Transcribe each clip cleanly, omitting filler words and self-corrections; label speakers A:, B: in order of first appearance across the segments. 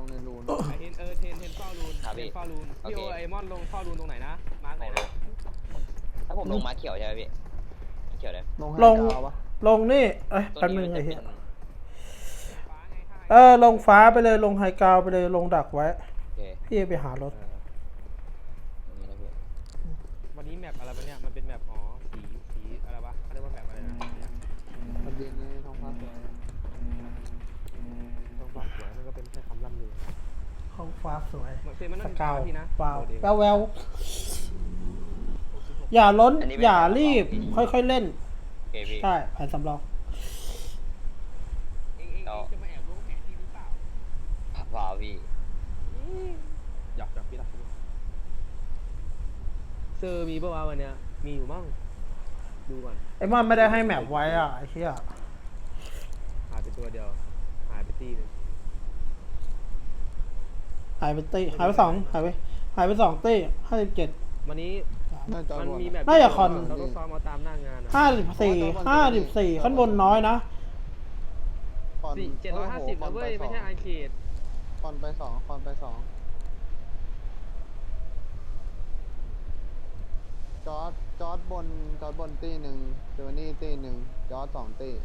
A: งในรูน
B: ไอเทนเทนเฝ้ารูนเทนเฝ้ารูนพี่โอไอมอนลงเฝ้ารูนตรงไหนนะมาร์กไหนนะ
C: ถ้าผมลงมาเขียวใช่ไหมพี่เขียวเลย
A: ลงให้กาวปะ
D: ลงนี่แป๊บนึงไอ้เหี้ย
B: ฟ้าไงท่า
D: ลงฟ้าไปเลยลงไฮกราวไปเลยลงดักไว้
C: โอเค
D: พี่ไปหารถ
B: วันนี้แมปอะไรวะเนี่ยมันเป็นแมปสีอะไรวะเขาเรียกว่าแมปอะไรนะ
A: มันเย็นนี้ท้องฟ้าสวย
B: ต้องฟ้าสวยมันก็เป็นแค่คำล่ำลือ
D: ห้องฟ้าสวย
B: เหมือนเซนมันต้อง
D: สกาว
B: พี่นะ
D: วาวแววอย่าล้นอย่ารีบค่อยๆเล่น
C: โอเคพี่
D: ใช่แผนสำรอง
B: เองจะมาแอบรู้แผนที่หรือเปล่า
C: ว้าวพี่
B: หยอกพี่หลักเซอร์มีป่าววันเนี้ยมีอยู่มั่งดูก่อน
D: ไอ้มันไม่ได้ให้แมปไว้อ่ะไอ้เหี้ย
B: หายไปตัวเดียวหายไปตีนึง
D: หายไปตีหายไป2หายไป2ตี57
B: วันนี้
A: น่าจะ
B: มันมีแมป
D: น่าจะคอน
B: เราต้องซ้อมเอาตามหน้างานนะ
D: 54ขั้นบนน้อยนะ
B: 750นะเว้ยไม่ใช่ไอเคด
A: คอนไป2จอร์ดบนตีหนึ่งเจอนี่ตีหนึ่งจอร์ด2ตี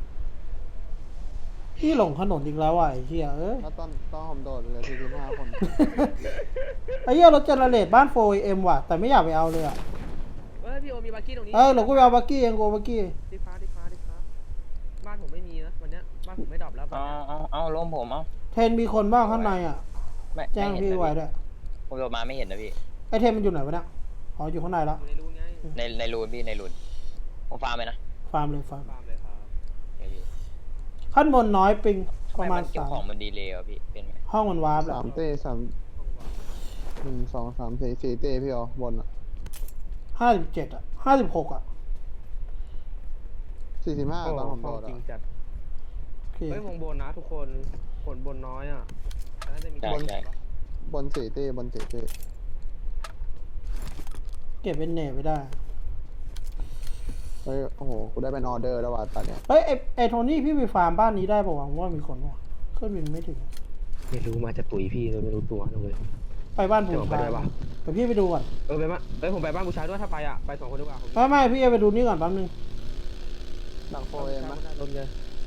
D: พี่หลงถนนอีกแล้วว่ะไอ้เหี้ย
A: แล้วตอนผมโดดเหลือ45 คน
D: ไอ้เหี้ยรถเจเนเรตบ้าน 4M ว่ะแต่ไม่อยากไปเอาเลยอ่ะ
B: พี่โอมีบักกี้ตรงนี้
D: เดี๋ยวกูไปเอาบักกี้เองกูเอาบักกี้
B: ดิฟ้าบ้านผมไม่มีนะวันเนี้ยบ้านผมไม่ดรอปแล้ว
C: เอาลงผมเอา
D: เทนมีคนบ้างข้างในอ่ะ
C: ไม่
D: แจ้งพี่ไว้ด้วย
C: ผมโดนมาไม่เห็นนะพี่
D: ไอเทนมันอยู่ไหนวะเนี่ยอ๋ออยู่ข้างในแล้ว
B: อยู่ในรูนไง
C: ในรูนพี่ในรูนผมฟาร์มไปนะ
D: ฟาร์มเลยฟาร์ม
B: ฟาร์มเลยครับ
D: ขั้นบนน้อยปิงประมาณ
C: เก็บของมันดีเลยอ่ะพี่เป็นไหม
D: ห้องมันวาร์ปแหละ
A: 3ตี3
B: ห้องวาง
A: 1 2 3 4 4ตีพี่อ๋อบนอ่ะ
D: 57อ่ะ56อ่ะ
A: 45ตอนผมโดด
B: จริ
A: อ่ะ
B: งจัด
D: โอเค
B: เฮ้ยวงบนนะทุกคนผลบนน้อยอ่ะน่าจะมี
C: ใช่ใช่
A: บน4ตีบน4ตี
D: เก็บเป็นเนตไม่ได้
A: เฮ้ยโอ้โหกูได้เป็นออเดอร์แล้วว่ะตอนเนี้ย
D: เฮ้ยไอโทนี่พี่ไปฟาร์มบ้านนี้ได้ป่าวว่ามีคนป่ะเครื่องบินไม่ถึง
B: ไม่รู้มาจะตุ๋ยพี่เลยไม่รู้ตัวเลย
D: ไปบ้านบู
B: เดี๋ยวไป
D: ชา
B: ด้วยปะ
D: เดี๋ยวพี่ไปดูก่อน
B: ไปมาผมไปบ้านบูชาด้วยถ้าไปอ่ะไป2 คนดีกว่า
D: ไม่พี่จะไปดูนี่ก่อนแป๊บนึง
A: หลัง4M มั้ย
B: ลมเลย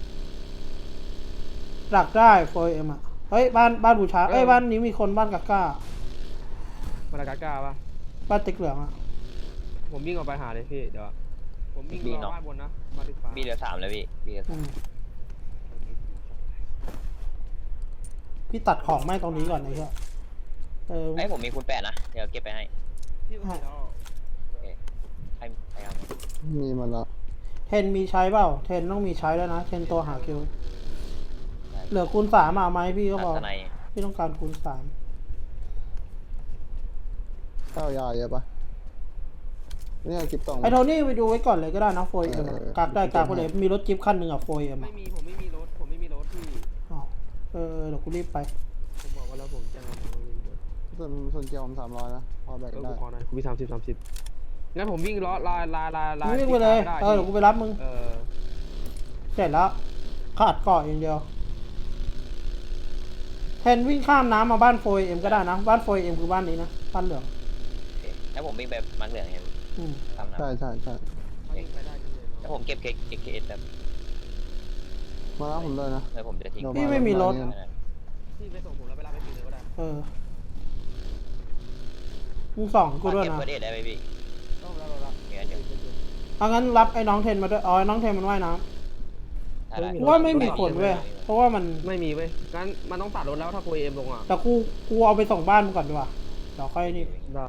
D: หลักได้ 4M อ่ะเฮ้ยบ้านบูชาบ้านนี้มีคนบ้านกาก้า
B: มาลากาก้าปะ
D: บ้านติ๊กเหลืองอ่ะ
B: ผมวิ่งออกไปหาเลยพี่เดี๋ยวผมวิ่งรอบ้านบนนะมาที่ฟ้า
C: พี่เหลือ3แล้วพี่เหลือ
D: พี่ตัดของไม่ตรงนี้ก่อนไอ้เหี้ย
C: ไอ้ผมมีคุณ8นะเดี๋ยวเก็บไปให้
B: พี่ก็แล้ว
C: ใครเอา
A: มีหมดแล้ว
D: เทนมีใช้เปล่าเทนต้องมีใช้แล้วนะเทนตัวหาคิวเหลือคูณ3เอาไหมพี่ก็บอก
C: ใน
D: พี่ต้องการคูณ3
A: เต้ายาเยอะปะเนี่ยกิบตอง
D: ไอโทนี่ไปดูไว้ก่อนเลยก็ได้นะ 4M กักได้กักไปเลยมีรถจิ๊บคันหนึ่งอ่ะ 4M
B: ไม่
D: อ่ะ
B: มีผมไม่มีรถพี่
D: อ๋อเดี๋ยวกูรีบไป
B: ผมบอกว่าแล้วผมจะเอาไม่มีรถ
A: ส่วนเกียวผม300นะพอแบก
B: ก็
A: ได้
B: กูขอหน่อยกูมี30งั้นผมวิ่งล้อลาย
D: วิ่งไปเลยเดี๋ยวกูไปรับมึงเสร็จแล้วขาดเกาะอย่างเดียวเทนวิ่งข้ามน้ำมาบ้าน 4M ก็ได้นะบ้าน 4M คือบ้านนี้นะบ้านเหลือง
C: แล้วผมวิ่งไปมังเหลืองไงทำนะ
A: ใช่
B: ไปได้เลย
C: แล้วผมเก็บเอสแบบ
A: มาแล้วผมเลยนะ
C: แล้วผมจะทิ้ง
D: พี่ไม่มีรถ
B: พี่ไปส่งผมแล้วไปรับไปตีเลยก็ได้
D: มึงส่องกูด้วย
C: เก็บ
D: นะ
C: เอสได้ไหมพี่
B: ต้องแล้ว
C: เดี๋ยว
D: เอางั้นรับไอ้น้องเทนมาด้วยไอ้น้องเทนมันว่ายน้ำว่าไม่มีคนเว้ยเพราะว่ามัน
B: ไม่มีเว้ยงั้นมันต้องตัดรถแล้วถ้าคุยเอ็มลงอ่ะ
D: แต่กูเอาไปส่งบ้านมึงก่อนดีกว่าเดี๋ยวค่อยนี่
B: ได้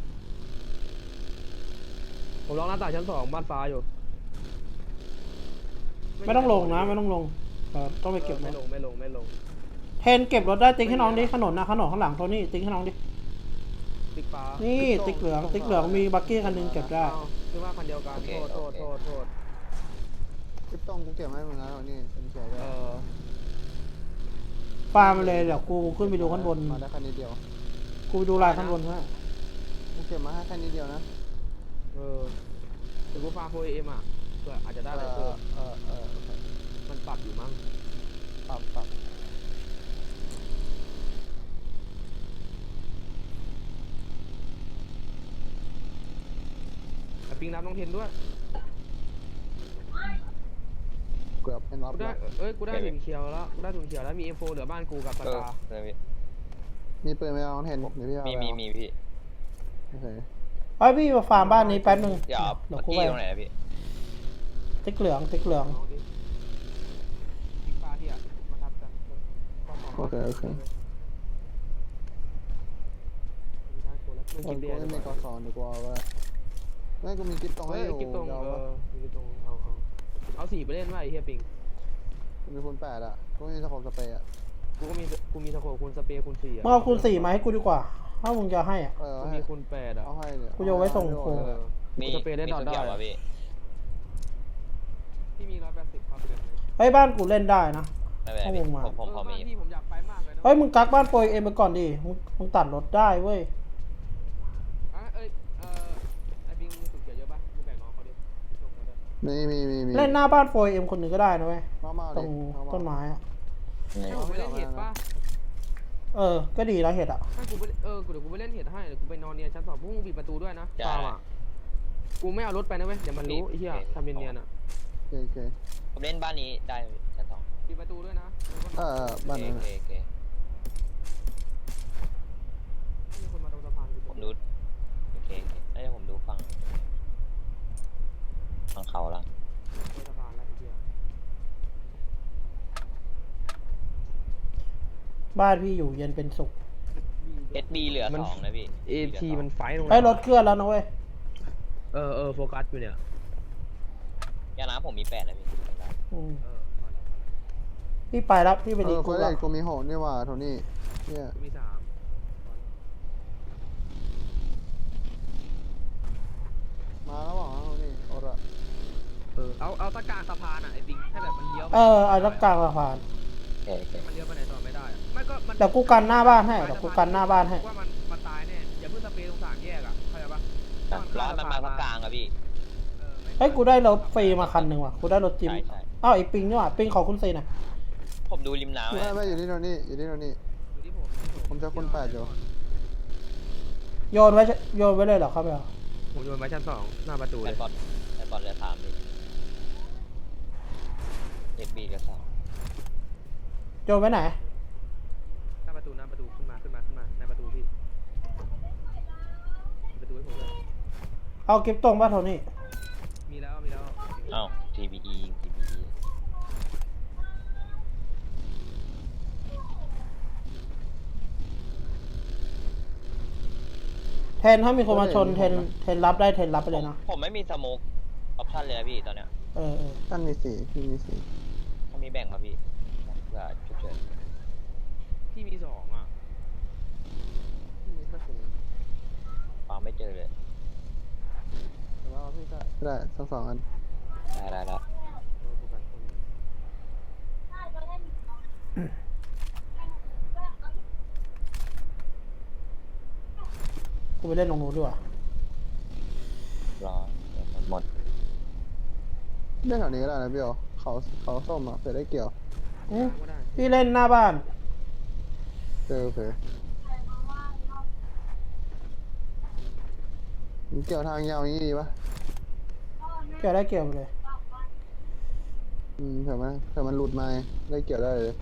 B: ผมลองหน้าต่างชั้น2บ้านฟ้าอยู่
D: ไม่ต้องลงนะไม่ต้องลงต้องไปเก็บร
B: ไม่
D: ถ
B: ลง
D: เทนเก็บรถได้ติ๊กให้น้องดิขนนนะขนนข้างหลังโทนี่ติ๊กให้น้องดิ
B: ติ๊กฟ้า
D: นี่ติ๊กเหลืองมีบักกี้คันนึงเก็บได้
B: คือว่าคันเดียวกันโทษ
A: กิบตองกูเก็บให้มึงแล้วนี่เป็นเฉยเลย
D: ฟาร์มเลยเดี๋ยวกูขึ้นไปดูข้างบน
A: มาได้แค่นี้เดียว
D: กูไปดูลายข้างบนให้
A: กูเก็บมาให้แค่นี้เดียวนะ
B: แต่กูฟ้าคุยเอ็มอ่ะเพื่ออาจจะได้อะไรเพิ่มมันปรับอยู่มั้ง
A: ปรับ
B: ปิงรับน้องเทนด้วย
A: เกือบเป็นรับ
B: กูได้
A: แล้ว
B: กูได้ถุงเขียวแล้วกูได้ถุงเขียวแล้วมี M4 เหลือบ้านกูกับปากกา
C: เลยพี่
A: มีปืนไหมเอาเห็นเดี๋ยวพี่เอา
C: มี
A: ไป
C: มีพี่
A: โอเค
D: ไอ้พี่มาฟาร์มบ้านนี้แป๊บนึง
C: เดี๋ยว
D: เดี๋ยว
C: เมื่อ
D: กู
C: กี้
D: ไป
C: ตรงไหนนะพี่
D: ติ๊กเหลืองติ๊กเหลือง
B: น้องดิปิงปลาที่อ่ะมาทับกัน
A: โอเคโอเค
B: ได้กูแล้วไม่
A: กู
B: กินเบียร์
A: ไม่มีกอสอนดีกว่าว่าไม่กูมีกิ๊บตรงให้
B: เฮ้ย
A: อยู่
B: กิ๊บตรง
A: เดี๋ยว
B: กิ๊บตรงเอาสีไปเล่นว่าไอ้เฮียปิง
A: กูมีคูณ8อ่ะกูมีสโคปสเปรย์อ่ะ
B: กูมีสโคปคูณสเปรย์คูณ4อ่ะ
D: มึงเอาคูณ4มาให้กูดีกว่า ถ้ามึงจะให้อ่ะ
A: เออ
B: กู
A: ให้
B: มีคูณ8อ่ะ
A: เอาให้เนี่ย
D: กูจะเอาไว้ส่งครู
C: มี
B: สเปรย์ได้ดอท
C: มี
B: ได้
C: เขียวอ่ะพี่
B: ที่มี180ครับเป็นไง
D: เฮ้ยบ้านกูเล่นได้นะ
C: ไม่เป็นไรพี่
D: เอาวงมา
C: ผมพอมี
B: ที่ผมอยากไปมากเลยนะ
D: เฮ้ยมึงกักบ้านโปรยเอ็มไปก่อนดิ มึงตัดรถได้เว้ย
B: ไอ้ปิงมีสุดเกียร์เยอะป่ะมึงแบ่งน้องเขาดิส่งมาด้วย
A: มี
D: เล่นหน้าบ้านโปรยเอ็มคนหนึ่งก็ได้นะเว้ย
A: มา
D: ตร
A: ดิ
D: ง
A: เอามา
D: ต้นไม้อะ
B: ให้ผมไปเล่นเห็ดป่ะ
D: เออ ก็ดีแล้วเห็ดอ่ะ
B: ให้กูไปเดี๋ยวกูไปเล่นเห็ดให้เดี๋ยวกูไปนอนเนียนชั้น2พวกมึงปิดประตูด้วยนะฟาร์มอ่ะกูไม่เอารถไปนะเว้ยเดี๋ยวมันรู้ไอ้เหี้ยทำเนียนๆอ่ะ
A: โอเค
C: ผมเล่นบ้านนี้ได้พี่ชั้น 2
B: ปิดประตูด้วยนะ
A: บ้านนั้น
C: โอเค
B: มีคนมาตรงสะพาน
C: ผมดูโอเคแล้วเดี๋ยวผมดูฝั่งเขาละ
B: สะพานแล้วไอ้เหี้ย
D: บ้านพี่อยู่เย็นเป็นสุข
C: SB เหลือ 2นะพี่
B: AT มันไฟตรง
D: ไอ้ยรถเคลื่อนแล้วนะเว้ย
B: โฟกัสอยู่เนี่ย
C: ยาน้ำผมมี8นะพี่
D: อืมพี่ไปแล้วพี่ไปดี
A: กู
D: กู
A: เล่
D: ละ
A: นกูมีโหดนี่ว่าโทนี่เนี่ย
B: มี3
A: มาแล้วบอกโทนี่โอ้ละ
B: เอาตะกร้าสะพานอ่ะไอ้ปิงให้แบบมันเลี้ยว
D: เอารถกลางสะพาน
C: โอเค
B: มันเลี้ยวไปไหนต่อไม่ได้ไม่ก็มัน
D: เดี๋ยวกูกันหน้าบ้านให้เดี๋ยวกูกันหน้าบ้านให้
B: ว่ามันตายแน่อย่าเพิ่งสเปรย์ตรง3 แยกอ่ะเข้าใจปะ
C: ร้อยมันมาพักกลางอะพี่
D: เฮ้ยกูได้รถฟรีมาคันหนึ่งว่ะ กูได้รถจิม
C: ใช่
D: อ้าวไอ้ปิงนี่หว่าปิงขอคุณซีหน่อย
C: ผมดูริมน้ำ
A: ไม่อยู่ที่โทนี่อยู่ที่โทนี่
B: อยู่ที่ผม
A: ผมจะคน8อยู่
D: โยนไว้เลยเหรอครับเบล
B: ผมโยนไว้ชั้น2หน้าประตู
C: แบ
B: เล
C: ต
B: ย
C: บอลเหลือ3พี่ SB เหลือ
D: โยนไว้ไหน
B: หน้าประตูขึ้นมาในประตูพี่ประตูให้ผมเลย
D: เอาเก็บตรงป่ะโทนี่
B: มีแล้ว
C: 2อ้าว TBE ยิง TBE
D: เทนถ้ามีคนมาชนเทนรับได้เทนรับไปเลยนะ
C: ผมไม่มีสโมกออปชั่นเลยนะพี่ตอนเนี้ย
A: ตั้นมี4พี่มี4
C: ถ้ามีแบ่งมาพี่เพื่อฉุกเฉิน
B: ที่มี2อ่ะที่มีแค่0
C: ฟังไม่เจอเลย
A: แล้วพี่ก็ได้ทั้ง2อัน
C: ได้
B: โฟกัสคน
D: กูไปเล่นตรงนู้นดีกว่า
C: รอเดี๋ยวหมด
A: เล่นแถวนี้ก็ได้นะพี่โอเขาส้มอ่ะเผื่อได้เกี่ยว
D: อืม
B: ก็ได้
D: พี่เล่นหน้าบ้าน
A: โอเคมันเกี่ยวทางยาวอย่างนี้ดีปะ
D: เกี่ยวได้เกี่ยวไปเลย
A: เผื่อมันหลุดมาได้เกี่ยวได้เลย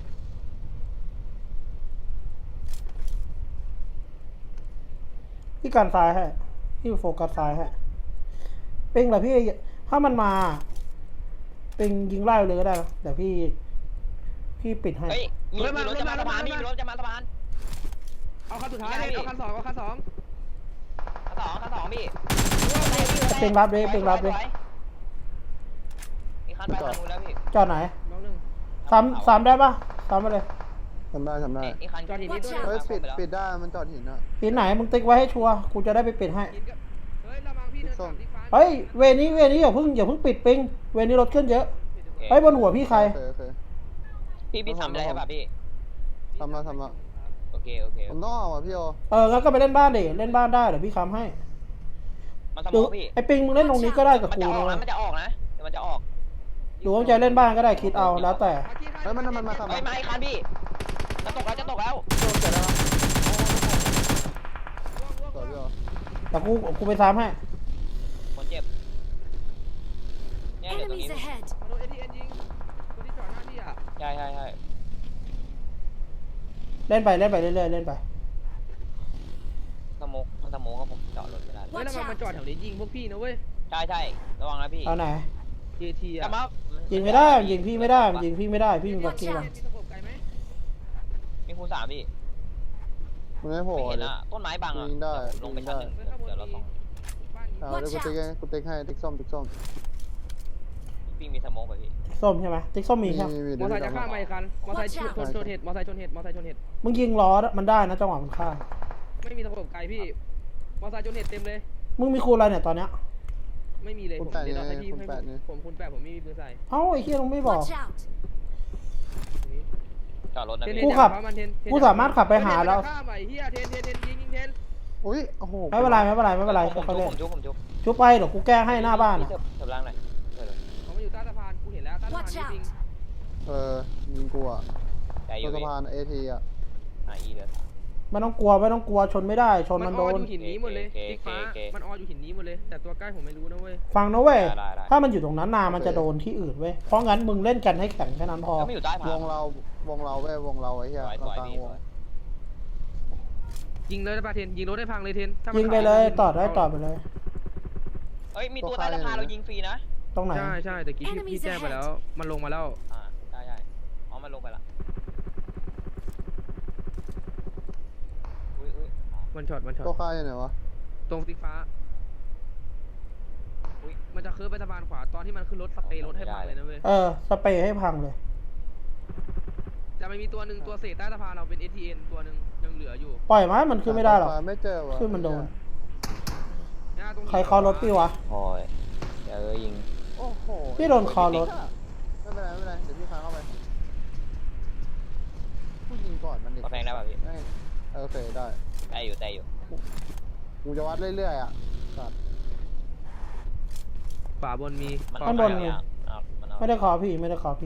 D: พี่กันซ้ายให้พี่โฟกัสซ้ายให้ปิงเหรอพี่ถ้ามันมาปิงยิงไล่เลยก็ได้นะเดี๋ยวพี่ปิดให้
C: เฮ้ยมีรถจะมาสะพานพี่มีรถจะมาสะพาน
B: เอาคันสุดท้ายเลยเอาคัน2
C: คันสองพี่
D: ปิงรับเลยปิงรับเลย
C: มีคันไปทางนู้นแล้วพี่
D: จอดไหน
B: น้องหนึ่ง
D: ซ้ำได้ปะซ้ำไปเลย
A: ทำได้
C: อีกคัน
B: จอดหินนี่ด้วย
A: เฮ้ยปิดได้มันจอดหินอ่ะ
D: ปิดไหนมึงติ๊กไว้ให้ชัวร์กูจะได้ไปปิดให้
B: หินกับเฮ้ยระวังพี่เดิน3ที่ฟ้า
D: เฮ้ยเวนี้อย่าเพิ่งปิดปิงเวนี้รถเคลื่อนเยอะเฮ้ยบนหัวพี่ใคร
A: โอเค
C: พี่ทำอะไรใช่ป่ะพี่
A: ทำมา
C: โอเค
A: ผมต้องเอาอ่ะพี่โอ
D: งั้นก็ไปเล่นบ้านดิเล่นบ้านได้เดี๋ยวพี่ค้ำให้
C: มันสม
D: ดู
C: องพี่
D: ไอ้ปิงมึงเล่นตรงนี้ก็ได้กับ
C: มัน
D: กู
C: จะออก
D: นะ
C: นะมันจะออกนะเดี๋ยวมันจะออก
D: ดูว่าจะเล่นบ้านก็ได้คิดเอาแล้วแต่
A: เฮ้ยมันมาทำ
C: เฮ้ยมาอีกคันพี่จะตกแล้ว
A: โดนเสร็จแล้วต่อพี่โอ
D: แต่กูไปซ้ำให้
C: คนเจ็บเดี๋ยวตรงนี้
E: Enemies ahead!
B: มาโดน ATN ยิงตัวที่จอดหน้าที่อ่ะ
C: ใช่ใช่ใช่
D: เล่นไปเล่นไปเรื่อยๆเล่นไป
C: สโมกมันสโมกครับผมจอดรถไม่ได้
B: เฮ้ยแล้วมันจอดแถวนี้ยิงพวกพี่นะเว้ย
C: ใช่ใช่ระวังนะพี่
D: เอาไหน
B: JT
C: กลั
B: อ่ะ
C: บมา
D: ยิงไม่ได้ยิงพี่ไม่ได้ยิงพี่ไม่ได้พี่มีบักกี้
B: มี
D: ว่ะ
B: ตะโขบไกลไหม
C: มีคูณ3พี่
A: มันไม่โผล่
C: ไม่เห็น
A: เลย
C: อะต้นไม้บังอะ
A: ยิงได้
C: ลงไปชั้นหนึ่ง
B: เฮ้ยข้างบน
C: เดี๋ยวเรา
B: มี
C: ส่อง
B: บ้าน
A: เอาเดี๋ยวกูติ๊กให้ติ๊กส้มติ๊กส้ม
C: พี่มีสโมกไปพี่
D: ส้มใช่ไหมติ๊กส้มมีใช่ไหม
B: มอเตอร์ไซค์จะข้ามมาอีกคันมอเตอร์ไซค์ชนเห็ดมอเตอร์ไซค์ชนเห็ดมอเตอร์ไซค์ชนเห็ด
D: มึงยิงล้อมันได้นะจังหวะมันข้าม
B: ไม่มีตะโขบไกลพี่ มอเตอร์ไซค์ชนเห็ดเต็มเลย
D: มึงมีคูณอะไรเนี่ยตอนเนี้ย
B: ไม่มีเลยผมเดี๋ยวเราให้พี่ให้ผมคุณแปะผมไม่มีปืนใส่
D: เอ้าไอ้เหี้ยมึงไม่บอก
E: Watch out!
C: จอดรถนะ
B: เทน
C: พี่
D: กูขับ
B: มันเทน
D: กูสามารถขับไปหาแล้ว
B: ข้ามไปเฮียเทนยิงเทน
A: อุ้ยโอ้โห
D: ไม่เป็นไรไม่เป็นไรไม่เป็นไร
C: ผม
D: เขา
C: จุ๊
D: เล่
C: บ
D: น
C: ผมจุ๊บ
D: ชุบไปเดี๋ยวกูแก้ให้หน้าบ้าน
C: พี่
D: อะ
C: เถิบล่างหน่อยเถิบเลย
B: เขามาอยู่ใต้สะพานกูเห็นแล้วใต้สะพาน
E: Watch
B: จริง
A: ยิงกูอ่ะ
C: ใจอ
A: ตัว
C: ยู่
A: สะ
C: พี่
A: พานเอทีอ่ะ
C: อีเดือด
D: ไม่ต้องกลัวไม่ต้องกลัวชนไม่ได้ชน
B: มั
D: มัน น
B: อ
D: โด
B: อน อยู่หินนี้หมดเลย
C: โอเค
B: ติ๊กฟ้า
C: โอเค
B: มันอออยู่หินนี้หมดเลย แต่ตัวใกล้ผมไม่รู้นะเว้ย
D: ฟังนะเว้ย
C: ได้
D: ถ้ามันอยู่ตรงนั้นนานมันจะโดนที่อื่นเว้ยเพราะงั้นมึงเล่นกันให้แข็งแค่นั้นพอ
C: ก็ไม่อยู่ใต้ผาว
A: งเราวงเราเว้ยวงเราไอ้เหี้ย
C: สวย
A: เรา
C: สวย
A: กลาง
C: พี่
A: ว
C: ส
A: ง
C: วย
B: ยิงเลยได้ป่ะเทนยิงรถได้พังเลยเทนถ้ามัน
D: ยิงไปเลยต่อได้ต่อไปเลย
C: เอ้ยมีตัวใต้สะพานเรายิงฟรีนะ
D: ตรงไหน
B: ใช่แต่กี้พี่แจ้งไปแล้ว มันลงมาแล้ว
C: ใช่ใช่อ๋อมันลงไปละอุ้ย
B: มันช็อต
A: ตัวค่ายอยู่ไหนวะ
B: ตรงติ๊กฟ้า
C: อุ้ย
B: มันจะเคิร์ฟไปสะพานขวาตอนที่มันขึ้นรถสเปรย์รถให้พังเลยนะเว้ย
D: สเปรย์ให้พังเลย
B: จะไม่มีตัวหนึ่งตัวเศษใต้สะพานเราเป็น ATN ตัวหนึ่งยังเหลืออยู่
D: ปล่อยไหมมันขึ้นไม่ได้หรอก
A: ไม่เจอวะ
D: ขึ้นมันโดน
B: เนี่ยตรงหิน
D: ใครเคารถพี่วะ
C: โอ้ยเดี๋ยวยิง
A: โอ้โห
D: พี่โดนคอรถ
A: ไม่เป็นไรไม่เป็นไรเดี๋ยวพี่พาเข้าไปผู้ยิงก่อนมันเด็ก
C: ก็แพงได้ป่ะพี่
A: โอเคได้
C: ได้อยู่ได้อยู่
A: กูจะวัดเรื่อยๆอ่ะสัตว์
B: ฝาบนมี
C: มัน
D: ข้างบนมี
C: มันเอา
D: ไม่ได้ขอพี่ไม่ได้ขอพี่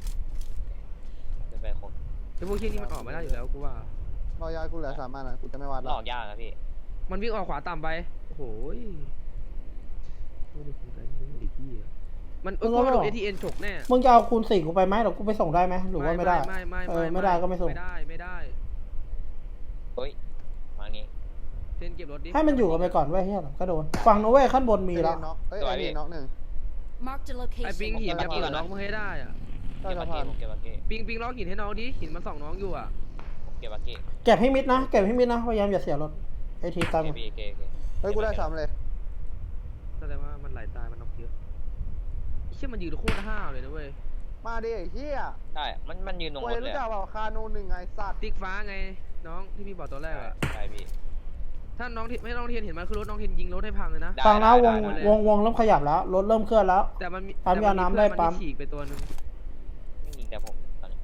C: ขึ้นไปครบ
B: ไอ้พวกที่นี่มันออกไม่ได้อยู่แล้วกูว่า
A: รอยากูเหลือ3 อันอ่ะกูจะไม่วัด
C: หล
A: แล้ว
C: อกยากนะพี่
B: มันวิ่งออกขวาต่ำไปโอ้โหยไม่ได้คุยกันไม่ได้ที่อ่ะมันก็มาโดน ATN ฉกแน่
D: มึงจะเอาคูณ4กูไปไหมหรือกูไปส่งได้ไหมหรือว่าไม่ได้ ไม่ได้ก็ไม่ส่ง
B: ไม่ได้
C: เฮ้ยมางี้
B: เทนเก็บรถดิ
D: ให้มันอยู่กันไปก่อนเว้ยเฮียก็โดนฟังนะเว้ยขั้นบนมีแล้ว
A: น็อกเอ้ยไอ้นี่น็อกหนึ่ง
E: Marked a
B: ไอ้ปิง
E: location.
B: หินจะเปิดน้องมึงให้ได้อ่ะ
A: ใต้
C: เก็บ
A: สะ
C: บัก
A: พา
C: เก็
A: น
C: ผมเก็บบักเก็
B: ปิงล็อกหินให้น้องดิหินมันส่องน้องอยู่อ่ะ
C: ผมเก็บบักเก็
D: เก็บให้มิดนะเก็บให้มิดนะพยายามอย่าเสียรถไอทีตาม
C: เก็บพี่เก็บ
A: เฮ้ยกูได้3เลย
B: แสดงว่ามันไหลตายมันน็อกเยอะไอ้เชี่ยมันยืนโคตรห้าวเลยนะเว้ย
A: มาดิไอ้เหี้ย
C: ใช่มันยืนตรง
A: โอ้
C: ร
A: ย
C: ถเล
A: รู้
C: ย
A: จักเปล่าคาโน1ไงสัตว์
B: ติ๊กฟ้าไงน้องที่พี่บอกตอนแรกอ่ะ
C: ใช่พี่
B: ถ้าน้องไม่น้องเทียนเห็นมันคือรถน้องเทียนยิงรถให้พังเลยนะ
D: ฟังนะวงเริ่มขยับแล้วรถเริ่มเคลื่อนแล้ว
B: แต่มันมี
D: ปั๊มยาน้ำได้ปั๊ม
B: ฉีกไปตัวนึง
C: ไม่ยิงแต่ผมตอนนี้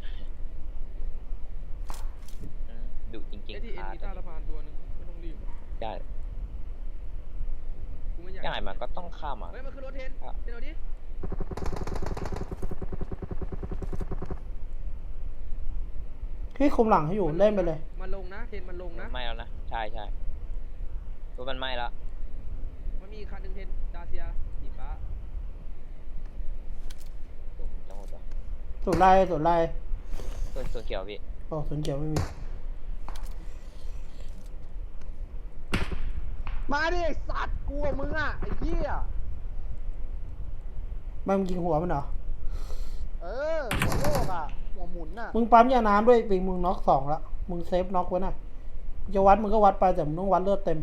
C: ดุจริง
B: ไอ้ที่เอ็นมีใต้สะพานตัวนึงไม่ต้องรีบ
C: ๆใช่
B: กูไม่อยาก
C: ง่ายมันก็ต้องข้ามอ่ะ
B: เฮ้ยมันคือรถเทนเทนเอาดิ
D: พี่คุมหลังให้อยู่เล่นไปเลย
B: มันลงนะเทนมันลงนะ
C: ไม่แล้วนะใช่รถมันไหม้แล้ว
B: มันมีคันหนึ่งเทนดาเซียสีฟ้า
C: จังหวะตัว
D: สุดไล่
C: ส่วนเขียวพี่
D: โอ้สุนเขียวไม่มี
A: มาดิไอ้สัตว์กูกับมึงอ่ะไอ้เหี้ย
D: มันยิงหัวมันเหรอ
A: หัวโลกอ่ะหัวหมุนน่ะ
D: มึงปั๊มยาน้ำด้วยปิงมึงน็อก2ละมึงเซฟน็อกไว้น่ะจะวัดมึงก็วัดไปแต่มึงต้องวัดเลือดเต็ม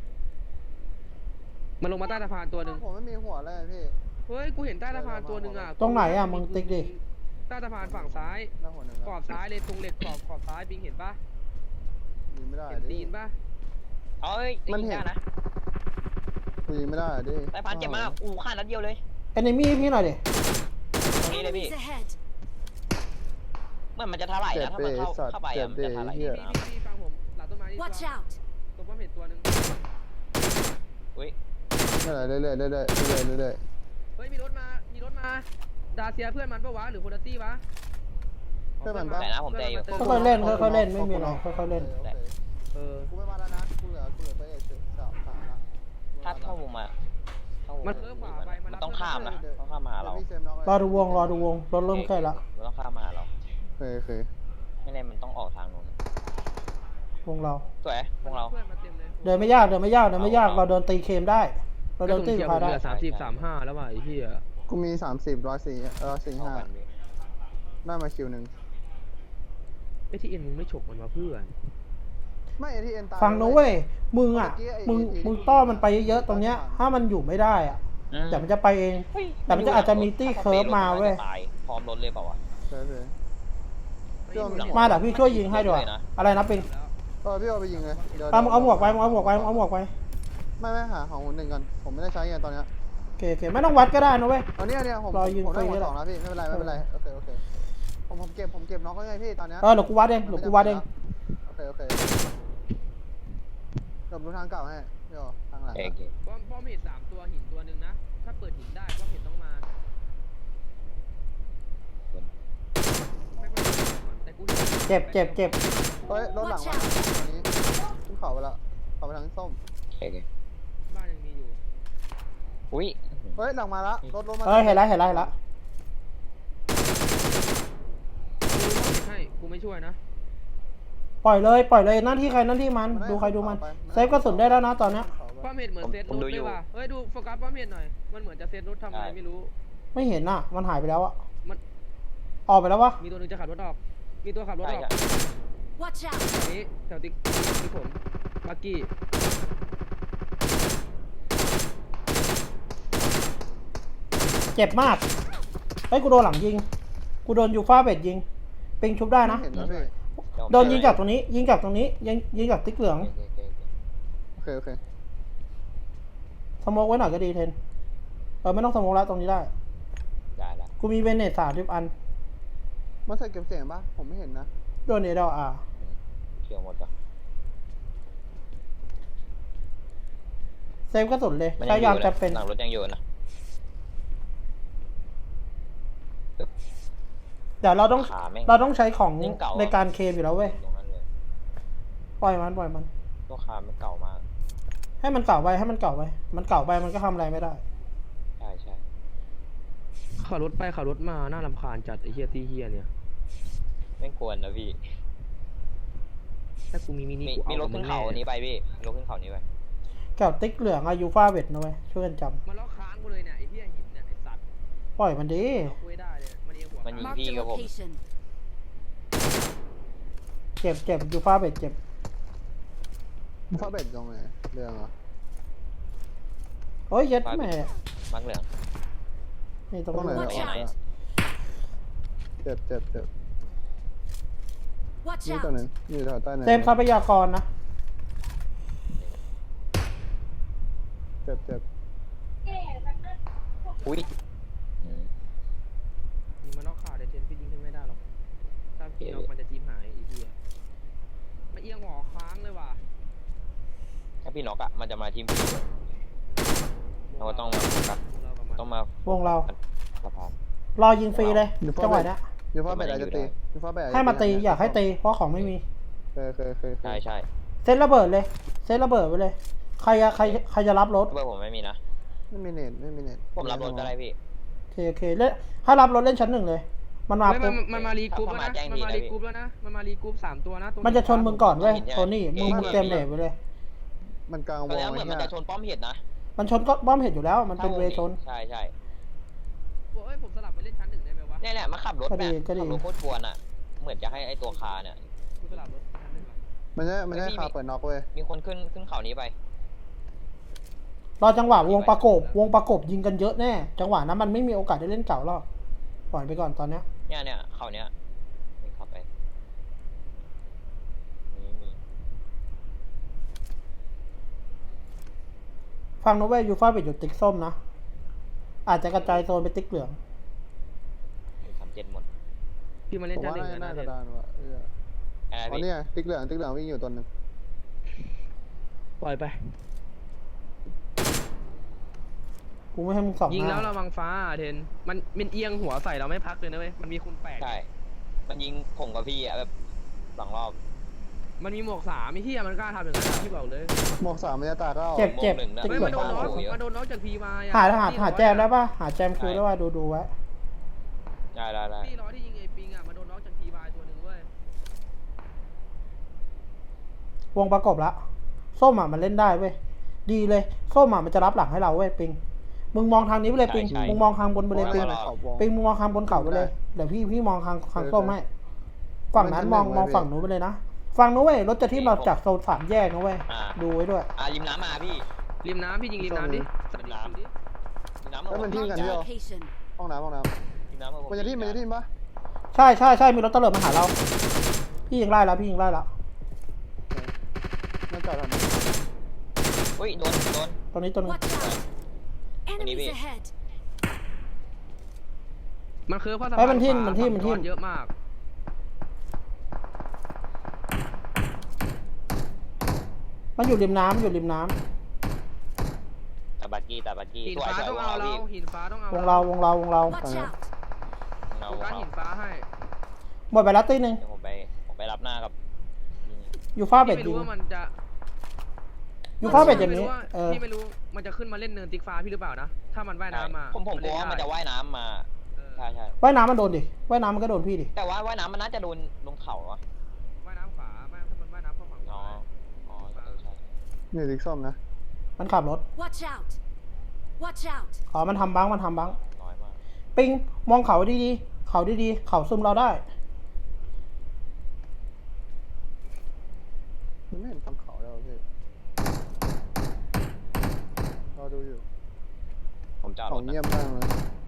B: มันลงมาใต้สะพานตัวหนึ่ง
A: ผมไม่มีหัวเลยพี่
B: เฮ้ยกูเห็นใต้สะพานตัวหนึ่งอ่ะ
D: ตรงไหนอ่ะมึงติ๊กดิ
B: ใต้สะพานฝั่งซ้าย
A: หน้าหัวหนึ่ง
B: ขอบซ้ายเลยตรงเหล็กขอบซ้ายบิงเห็นปะ
A: ยิงไม่ได้
B: เห็น
A: ดิ
B: ตีนปะ
C: เอ้ยมันเห็นนะ
A: กูยิงไม่ได้ดิ
C: สายพานเจ็บมากฆ่านัดเดียวเลย
D: เอนมี่พี่หน่อยดิ
C: ตรงนี้เลยพี่
E: Enemies ahead.
C: มันจะถลายนะถ้ามันเข้าไปมันจะถลาย
B: พี่ฟังผมหลังต้นไม้นี่
E: Watch out.
B: ตัวป้อมเห็ดตัวหนึ่ง
C: อุ้ย
A: เรื่อย
B: เฮ้ยมีรถมาดาเซียเพื่อนมันปะวะหรือโพลตี้วะ
C: แต่นะผมใจอยู่
D: ค่อยๆเล่นค่อยๆเล่นไม่มีอะไรค่อยๆเล่น
B: เออ
A: กูไม่มาแล้วนะกูเหลือตัวเอก3ละ
C: ถ้าเข้ามุมมาเข้า
B: มันเริ่มขวาไปมัน
C: ต้องข้ามนะต้องข้ามมาหาเรา
A: ดี๋ยวพี่เซฟน็อก
D: รอดูวงรถเริ่มใกล้ละ
C: มันต้องข้ามมาหาเรา
A: เคย
C: ไม่แน่มันต้องออกทางนู้น
D: วงเรา
C: สวยพวกเรา
B: เพื่อนมาเต็มเลย
D: เดินไม่ยากเราเดินตีเคมได้ เราเดินตี
B: กระสุน
D: พา
B: เขียว
D: ได้
B: เหลือ30-35แล้วว่ะไอ้เหี้ย
A: กูมี30 145ได้มาคิวหนึ่ง
B: ไอ้ที่เอ็นมึงไม่ฉกมันมาเพื่อน
A: ไม่ไอ้ที่เอ็นตาย
D: ฟังนะเว้ยมึงอ่ะ
A: เมื่อกี้ไอ้
D: มึงต้อนมันไปเยอะๆตรงเนี้ย ถ้ามันอยู่ไม่ได้อ่ะแต่มันจะไปเอง แต่มันจะอาจจะมีตี้เคิร์ฟมาเว้ย
C: พร้อมรถเลยเปล่าวะ
A: เคย
D: มาเดี๋ยวพี่ช่วยยิงให้ด้วยอะไรนะปิง
A: พี่เอาไปยิงเลยดี๋ยว
D: เอาหมวกไปเอาหมวกไป
A: ไม่หาของหนึ่งกันผมไม่ได้ใช้ไงตอนเนี้ย
D: โอเคไม่ต้องวัดก็ได้นะเว้ย
A: เอาเนี่ยผม
D: รอยิง
A: ผมได้
D: ฟรี
A: หัว
D: แล้ว
A: สองแล้วพี่ไม่เป็นไรโอเคผมเก็บน็อกแล้วไงพี่ตอนเนี้ย
D: เดี๋ยวกูวัดเอง
A: โอเคเดี๋ยวดูทางเก่าให้พี่อ๋อทางหลัง
C: โอเค
B: ป้อมเห็ด3ตัวหินตัวหนึ่งนะถ้าเปิดหินได้ป้อมเห็ดต้องมาแต่กู
D: เจ็บ
A: เฮ้ยรถหลังมาอันนี้ขึ้นเขาไปแล้วเขาไปทางส้ม
C: โอเค
B: บ้านยังมีอยู่
C: อุ้ย
A: เฮ้ยหลังมาละรถมา
D: เห็นแล้ว
B: ให้กูไม่ช่วยนะ
D: ปล่อยเลยหน้าที่ใครหน้าที่มันดูใครดูมันเซฟกระสุนได้แล้วนะตอนเนี้ย
B: ป้อมเห็ดเหมือนเซตรถเลยว่ะเฮ้ยดูโฟกัสป้อมเห็ดหน่อยมันเหมือนจะเซตรถทำอะไรไม่รู้
D: ไม่เห็นอ่ะมันหายไปแล้วอ่ะ
B: มัน
D: ออกไปแล้ววะ
B: มีตัวนึงจะขับรถออกมีตัวขับรถ
C: ใช่
B: ออก
C: ใช่
E: Watch out!
B: แถวนี้แถวติ๊กผมบักกี้
D: เจ็บมากเฮ้ยกูโดนหลังยิงกูโดนยูฟ่าเบ็ดยิงปิงชุบได้นะ
A: เห็นแล้วพี่
D: โดนยิงจากตรงนี้ยิงจากติ๊กเหลือง
A: โอเค
D: สโมกไว้หน่อยก็ดีเทนไม่ต้องสโมกแล้วตรงนี้ได้
C: ได้ละ
D: กูมีเบนเนต30 อัน
A: มันใส่เก็บเสียงปะผมไม่เห็นนะ
D: โดนเอเดลอา
C: เขียวหมดจ้ะ
D: เซฟกระสุนเลยใช้ยามจะเป็น
C: หลังรถยังอยู่นะ
D: เดี๋ยวเราต้อง
C: ขาแม่ง
D: เราต้องใช้ของ
C: ยิ่งเก่าอะ
D: ในการเคมอยู่แล้วเว้ย
C: ตรงนั้นเลย
D: ปล่อยมัน
C: ตัวคามันเก่ามาก
D: ให้มันเก่าไปมันเก่าไปมันก็ทำอะไรไม่ได้
C: ใช่
B: ขับรถไปขับรถมาน่ารำคาญจัดไอ้เฮียตีเฮียเนี่ย
C: ไม่ควรนะพี่
B: ถ้ากูมีมินิ
C: มี
B: กู
C: มี
B: เอา
C: รถขึ้นเขาอันนี้ไปพี่มีรถขึ้นเขานี้ไป
D: แก้วติ๊กเหลืองอายุฟ้าเบ็ดนะเว้ยช่วยกันจ
B: มันล็อกค้างกูเลยเนี่ยไอ้เฮียหินเนี่ยไอ้สัตว์
D: ำปล่อยมันดี
B: เอาคุยได้เลยมันเอียงหัว
C: มันยิง
E: Marked
C: พี่
E: a
C: กับผม
E: location.
D: เจ็บยูฟ้าเบ็ดเจ็บ
A: ฟ้าเบ็ดตรงไหนเรื่องเหรอ
D: โอ้ยเย็ดแม่
C: มักเหลือง
D: นี่ตรง
A: ตรงไหน
D: นี้
E: Watch
A: ออก
E: out
A: เจ็บ
E: Watch
A: นี่ตัว
E: out!
A: หนึ่งอยู่แถวใต้เนิน
D: เต็มทรัพยากรนะ
A: เจ็บ
C: อุ้ย
B: มีมันล็อกขาเดี๋ยวเทนพี่ยิงขึ้นไม่ได้หรอกถ้าพี่ล็อกมันจะจีบหายไอ้เฮียมันเอียงหัวค้างเลยว่ะ
C: ถ้าพี่น็อกอะมันจะมาทีมพี่เลยเราก็ต้องมาโฟกัส
B: เรากับมัน
C: ต้องมาว
D: งเรา
C: สะพาน
D: รอยิงฟรีเลยจังหวะเนี้ย
A: อยู่ฟ้าเบ็ดอาจจะตีอยู่ฟ้าเบ็ด
D: ให้มาตีอยากให้ตีเพราะของไม่มี
A: เคย
C: ใช่
D: เซตระเบิดเลยเซตระเบิดไปเลย ใครจะรับรถ
C: เบอร์ผมไม่มีนะ
A: ไม่มีเน็ต
C: ผมรับรถก็ได้พี่
D: โอเคเล่นถ้ารับรถเล่นชั้นหนึ่งเลย มันมา
B: เฮ้ย
D: ปุ๊บ
B: มันมารีกรุ๊ปแล้วนะ
C: ถ้ามาแจ้ง
B: มันมา
C: ที
B: รี
C: นะ
B: กรุ๊ปแล้วนะมันมารีกรุ๊ป3 ตัวนะตรง
D: มันจะชนมึงก่อนเว้ย
C: เห็นใช่ไหม
D: โทนี่มึงเตรียมเดทไปเลย
A: มันกลางว
C: ตอน
A: ง
C: แรกเหมือนมันจะชนป้อมเห็ดนะ
D: มันชนก็บ้อมเห็นอยู่แล้ว มันเป็นเวชน
C: ใช่
B: เอ้ยผมสลับไปเล่นชั้น 1ได้ไหมวะ
C: เนี่ยมาขับรถ
D: ก็
C: แบ
D: ดี
C: บ
D: ก็ดี
C: ขับรถโคตรกวนอะเหมือนจะให้ไอตัวคาเนี่ย
B: กูสลับรถชั้น 1ว่ะ
A: มันจะคาเปิดน็อกเว้ย
C: มีคนขึ้นเขานี้ไป
D: รอจังหวะวงประกบยิงกันเยอะแน่ จังหวะนั้นมันไม่มีโอกาสได้เล่นเก่าหรอกปล่อยไปก่อนตอนเนี้ย
C: เนี่ยเขาเนี้ยนี่ขับไปนี่
D: ฟังนะเว้ยยูฟ่าเบ็ดอยู่ติ๊กส้มนะ อาจจะกระจายโซนไปติ๊กเหลือง
C: 37หมด
B: พี่มาเล่น
A: ผม
B: ชั้น
A: ว่า
B: 1
A: น่า
B: นะ
A: จะ
B: เทน
A: ดานว่ะ
C: อะไร
A: อ๋อ
C: พี่
A: เนี่ยติ๊กเหลืองวิ่งอยู่ตัวนึง
B: ปล่อยไป
D: กูไม่ให้มึงสอง
B: ยิง
D: ห
B: แล้ว
D: น้า
B: ระวังฟ้าเทนมันเอียงหัวใส่เราไม่พักเลยนะเว้ยมันมีคุณ8
C: ใช่ มันยิงผมกับพี่อะแบบ2 รอบ
B: มันมีหมวก3ไอ้เหี้ยมันกล้าทำอย่างนั้นอะพี่บอกเลย
A: หมวก3มันจะตายก็
D: เจ็บเจ็บ
C: หนึ่งนะ
D: ติ๊ก
B: ไม่
D: เหลื
B: มา
D: อง
B: โดนน็อก
C: โอ้โห
B: มาโดนน็อกจากพีมา
D: หาแจมได้ปะหาแจมคิวได้ปะดูไว้
C: ได้
B: ที่ร้อยที่ยิงไอ้ปิงอ่ะมาโดนน็อกจากพีมาตัวหนึ่งเว้ยว
D: งประกบละส้มอ่ะมันเล่นได้เว้ยดีเลยส้มอ่ะมันจะรับหลังให้เราเว้ยปิงมึงมองทางนี้ไปเลยปิงมึงมองทางบนไปเลยปิง
A: ขอบวง
D: ปิงมึงมองทางบนเขาไปเลยเดี๋ยวพี่มองทางส้มให้ฝั่งนั้นมองฝั่งนู้นไปเลยนะฝั่งนู้นเว้ยรถจะที่เราจากโซน3แยกนะเว้ยดูไว้ด้วย
C: ริมน้ำมาพี่
B: ริมน้ำพี่ยิงริมน้ำดิสวัสดีคิวดิ
C: ริมน้ำมา
A: แล้วมันทิ้งกัน
E: Marked
A: ที่
E: a
A: เรา
E: location.
A: ห้องน้ำ
C: ริมน้ำมา
A: มันจะทิ่มปะ
D: ใช่มีรถตำรวจมาหาเราพี่ยิงไล่แล้ว
A: มันจอดทำไม
C: เฮ้ยโดน
D: ตรงนี้ตัวนึง
E: Watch out. Enemies
C: Enemy.
E: ahead.
B: มันคือข้อสะ
D: เฮ้
B: พาย น
D: มันทิ่ม
B: ขวา
D: มันทิ่ม
B: ฝั่งเยอะมาก
D: มันอยู่ริมน้ำ
C: ตาบักกี้
B: หิน
C: สวย
B: ฟ้า
C: สวย
B: ต้อง
C: ว
B: เอา
C: ง
B: เรา
C: เราพี่
B: หินฟ้าต้องเอา
D: วงเรา
E: Watch out.
C: เรา
B: โฟกัสหินฟ้าให้
D: หมดไปแล้วตีหนึ่ง
C: เดี๋ยวผมไปรับหน้ากับ
D: อยู่ฟ้าเบ็ด
B: ไม่
D: ยิ
B: รู้
D: ง
B: ว่ามันจะ
D: อยู่ฟ้าเบ็ดอย่าง
B: ไม่
D: นี้
B: รู้ว่า
D: เออ
B: พี่ไม่รู้มันจะขึ้นมาเล่นเนินติ๊กฟ้าพี่หรือเปล่านะถ้ามันว่ายน้ำมา
C: ผมกลัวว่ามันจะ
B: เล่
C: ว่ายน้ำมา
B: เออ
C: ใช่
D: ว่ายน้ำมันโดนดิว่ายน้ำมันก็โดนพี่ดิ
C: แต่ว่าว่ายน้ำมันน่าจะโดนลงเขาอะ
B: ว่ายน้ำขวาไม่ถ้ามันว่ายน้ำเข้าฝั่งข
C: อ๋อ
B: วา
C: ใช่
A: นี่ติ๊กส้มนะ
D: มันขับรถ
E: Watch out. Watch out.
D: อ๋อมันทำบัง
C: น้อยมาก
D: ปิงมองเขาดีๆเขาซุ่มเราได้
A: มันไม่เห็นฝั่งเขาแล้วพี่เราดูอยู่
C: ผมจอด
A: ข
C: ร
A: อง
C: ถ
A: เงียบมากเลย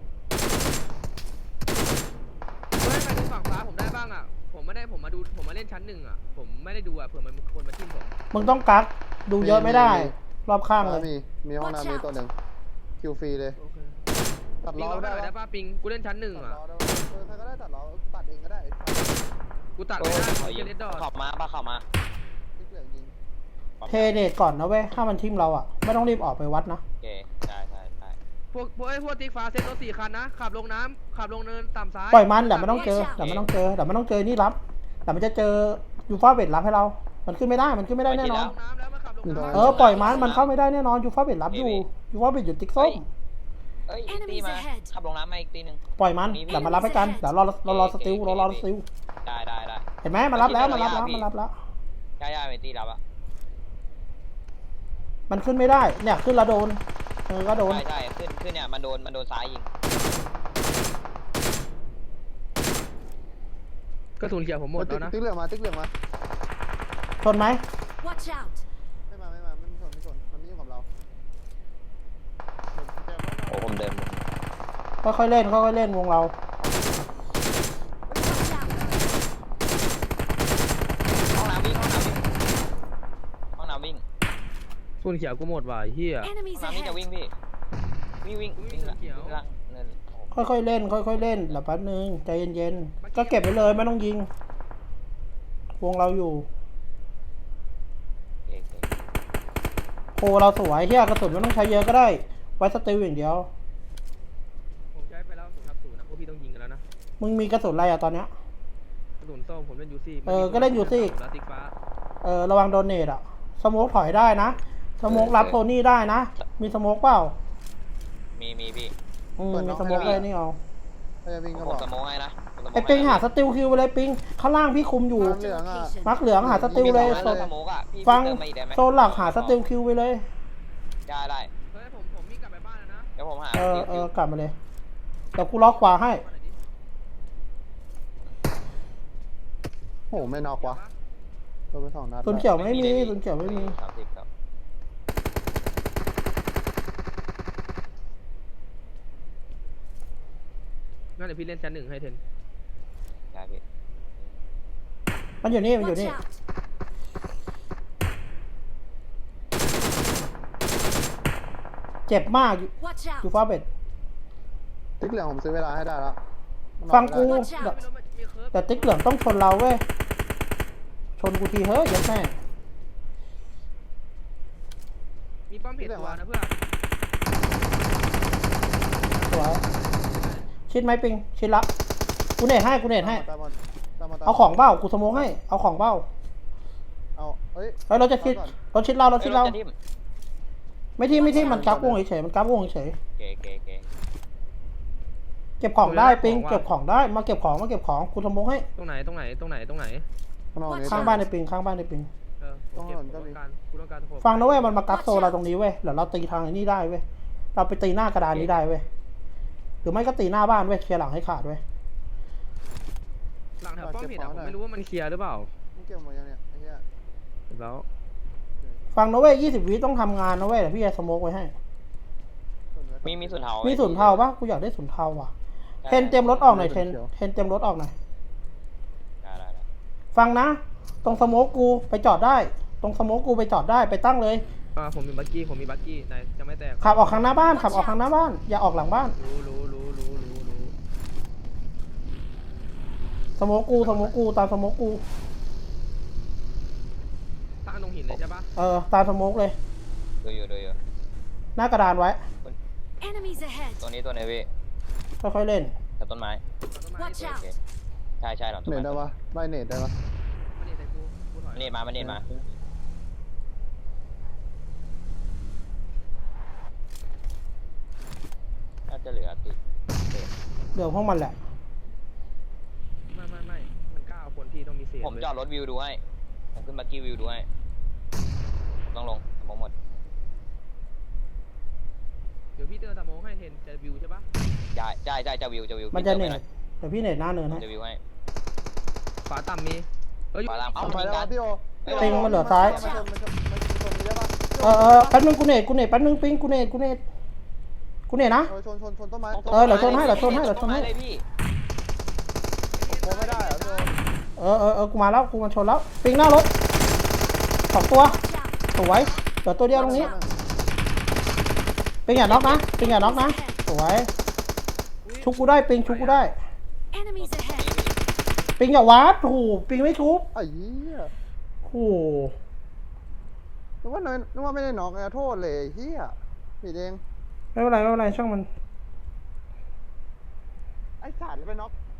B: เฮ้ยไปดูฝั่งฟ้าผมได้บ้างอ่ะผมมาเล่นชั้น1อ่ะผมไม่ได้ดูอ่ะเผื่อมันมีคนมาทิ่มผม
D: มึงต้องกักดูเยอะไม่ได้ รอบข้างเลย
A: มีห้องน้ำมีตัวหนึ่งคิวฟรีเลย
B: โอเค
A: ตัด
B: ปิง
A: ล้อ
B: เรา
A: ได้
B: ได้
A: ปะ
B: ป้าปิงกูเล่นชั้น1
A: ตัด
B: อ่ะ
A: ล้อได้ปะใครก็ได้ตัดล้อตัดเองก็ได้
B: กูตัดไม่ได้
C: ขอ
B: กู
C: ยิง
B: เล่นดอท
C: ขับมา
A: ติ๊กเหลืองยิง
D: เทเดทก่อนนะเว้ยถ้ามันทิมเราอ่ะไม่ต้องรีบออกไปวัดนะ
C: โอเคใช่
B: พวกติ๊กฟ้าเซ็ตรถ4 คันนะขับลงน้ำขับลงเนินต่ำซ้าย
D: ปล่อยมันเดี๋ยวมันต้องเจอนี่รับแต่มันจะเจอยูฟ้าเบ็ดรับให้เรา มันขึ้นไม่ได้แน่นอน
B: ลงน้ำแล้วมาขับลงน้ำ
D: ปล่อยมันเข้าไม่ได้แน่นอนยูฟ้าเบ็ดรับอยู่ยูฟ้าเบ็ดอยู่ติ๊กส้ม
C: เอ้ยอีกตีมาขับลงน้ำมาอีกตีหนึ่ง
D: ปล่อยมันเดี๋ยวมารับให้กันเดี๋ยวรอสติล
C: ได้
D: เห็นไหมมารับแล้ว
C: ใช่ เป็นตีรับอะ
D: มันขึ้นไม่ได้เนี่ยขึ้นแล้วโดนก็โดน
C: ใช่ขึ้นเนี่ยมันโดนซ้ายยิง
B: กระสุนเขียวผมหมดแล้วนะ
A: ติ๊กเหลืองมา
D: ชนไหม
E: Watch out.
A: ไม่มาไม่สนมันไม่ยุ่งกับเรา
C: โอ้ผมเดิน
D: ค่อยๆเล่นวงเรา
E: Watch out.
C: ห้องน้ำวิ่งกระ
B: สุนเขียวกูหมดว่ะไอ้เฮีย
E: Enemies
C: วิ่ง
E: ahead.
C: พี่วิ่งละเนิน
D: ค่อยๆเล่นเดี๋ยวแป๊บนึงใจเย็นๆก็เก็บไว้เลยไม่ต้องยิง วงเราอยู่โอ้เราสวยเฮียกระสุนไม่ต้องใช้เยอะก็ได้ไว้สติลอย่างเดียว
B: ผมใช้ไปแล้ว0-0นะพวกพี่ต้องยิงกันแล้วนะ
D: มึงมีกระสุนอะไรอะตอนเนี้ย
B: กระสุนส้มผมเล่นยูซี่
D: ก็เล่นยูซี่
B: แล้วติ๊กฟ้า
D: ระวังโดนเนตอะสโมกถอยได้นะสโมกรับโทนี่ได้นะมีสโมกเปล่า
C: มีพี่
D: มีสโมกเลยนี่เอา
A: ถ้าจะวิ่งก็
C: ผ
A: บ
C: ม
A: อก
C: สโมองให้นะ
D: ไอ้ปิงหาสติลคิวไปเลยปิงข้างล่างพี่คุมอยู่
E: Marked a
A: Mark
E: location.
D: มักเหลืองหาสติลเลย
C: สโมกอ่ะพี่
D: ฟัง
C: เติมมาอีกได้ไหม
D: โซนหลักหาสติลคิวไปเลย
C: ได้
B: เฮ้ยผมมีกลับไปบ้านแล้วนะ
C: เดี๋ยวผมหา
D: กลับมาเลยเดี๋ยวกูล็อกขวาให้
A: โอ้ไม่นอกวะตัวไป2 นัด
D: ตุนเขียวไม่มี
C: 30ครับ
B: งั้นเดี๋ยวพี่เล่นชั้น1ให้เทน
C: ได้พี่
D: มันอยู่นี่
E: Watch out.
D: เจ็บมาก
E: Watch
D: อยู่
E: out.
D: ฟ้าเบ็ด
A: ติ๊กเหลืองผมซื้อเวลาให้ได้แล้ว
D: ฟังกู
E: Watch
B: ไม่
E: out.
B: รู้มันมีเคิร์ฟ
D: แต่ติ๊กเหลืองต้องชนเราเว้ยชนกูทีเฮ้ยยัดแม่
B: มีป้อมเพจตัวนะเพื่อน
D: สวยชิดไหมปิงชิดละกูเนตให้
A: ตามมา
D: เอาของเบ้ากูสโมกให้เอาของเบ้า
A: เฮ้ย
D: เฮ้ยเราจะชิด
A: ก่อน
D: เราชิดเราเราชิดเรา
C: จะทิ่ม
D: ไม่ที่มันกราฟวงเฉยๆมันกราฟวงเฉย
C: เก๋เก๋เก๋
D: ๆเก็บของได้ปิงเก็บของได้มาเก็บของกูสมองให้
B: ตรงไหน
A: ข้างนอกนี้
D: ข้างบ้านในปิงข้างบ้านในปิง
B: เออผมเก็บผมต้องการกูต้องการโฟกัส
D: ฟังนะเว้ยมันมากราฟโซเราตรงนี้เว้ยเดี๋ยวเราตีทางไอ้นี่ได้เว้ยเราไปตีหน้ากระดานนี้ได้เว้ยหรือไม่ก็ตีหน้าบ้านเว้ยเคลียร์หลังให้ขาดเว้ย
B: หลังแถวป้อมผิดอ่ะผมไม่รู้ว่ามันเคลียร์หรือเปล่า
A: มึงเก็บหมดยังเนี่ยไอ้เหี้ย
B: แล้ว
D: ฟังนะเว้ย20 วิต้องทำงานนะเว้ยเดี๋ยวพี่จะสโมกไว้ให้
C: มีสุนเทา
D: มี
C: มี
D: ศูนย์เทาปะกูอยากได้ศูนย์เทาว่ะเทนเตรียมรถออกหน่อยเทนเตรียมรถออกหน่อย
C: ได้
D: ฟังนะ ตรงสโมกกูไปจอดได้ ตรงสโมกกูไปจอดได้ไปตั้งเลย
B: ผมมีบักกี้ไหนจะไม่แตก
D: ขับออกข้างหน้าบ้านขับออกข้างหน้าบ้านอย่าออกหลังบ้าน
B: รู้
D: สโมกกูตามสโมกกู
B: ตั้งตรงหินเลยใช่ปะ
D: ตามสโมกเลย
C: ดูอยู่
D: หน้ากระดานไว้
E: Enemies ahead.
C: ตัวนี้ตัวไหนพี่
D: ค่อยๆเล่น
C: กับต้นไม้
E: Watch
C: โอ
E: out.
C: เคใช่หลังต้น
A: เน็ต
C: ไม้
A: ได้ปะไล่เน็ตได้ปะ
B: มันนี่ใส่กูถอย
C: เน็ตมาน่าจะเหลือติด
D: เดี๋ยวพวกมันแหละ
B: ไม่มันกล้าเอาคนที่ต้องมีเสียง
C: ผมจอดรถวิวดูให้ผมขึ้นบักกี้วิวดูให้ผมต้องลงหมด
B: เดี๋ยวพี่เตือนตะโมให้เห็นจะวิวใช่ปะ
C: ใช่จะวิว
D: มันจะเน็ตเดี๋ยวพี่เน็ตหน้าเนินให้
C: จะวิวให้
B: ฝาต่ำมีเอ้ย
C: ฝาต่ำ
A: เอาไปแล้วพี่โอ
D: ปิงมันเหลือซ้าย
A: มันชนนี้ได้ปะ
D: แป๊บนึงกูเน็ตแป๊บนึงปิงกูเน็ตนะ
A: ชนต้นไม้
D: เดี๋ยวชนให้
C: เลยพี่
A: โค้งไม่ได้เหรอพี่โอ
D: กูมาแล้วกูมาชนแล้วปิงหน้ารถ2 ตัว
E: Watch out.
D: สวยเดี๋ยวตัวเดียวตรงนี้ปิงอย่าน็อกนะสวยชุบกูได้ปิงชุบกูได้
E: Enemies ahead.
D: ปิงอย่าวาร์ปโอ้โหปิงไม่ชุบ
A: ไอ้เหี้ย
D: โอ้โห
A: นึกว่าไม่ได้น็อกไงโทษเลยไอ้เหี้ยผิดเอง
D: ไม่เป็นไรช่างมัน
A: ไอ้สัตว์ไปน็อก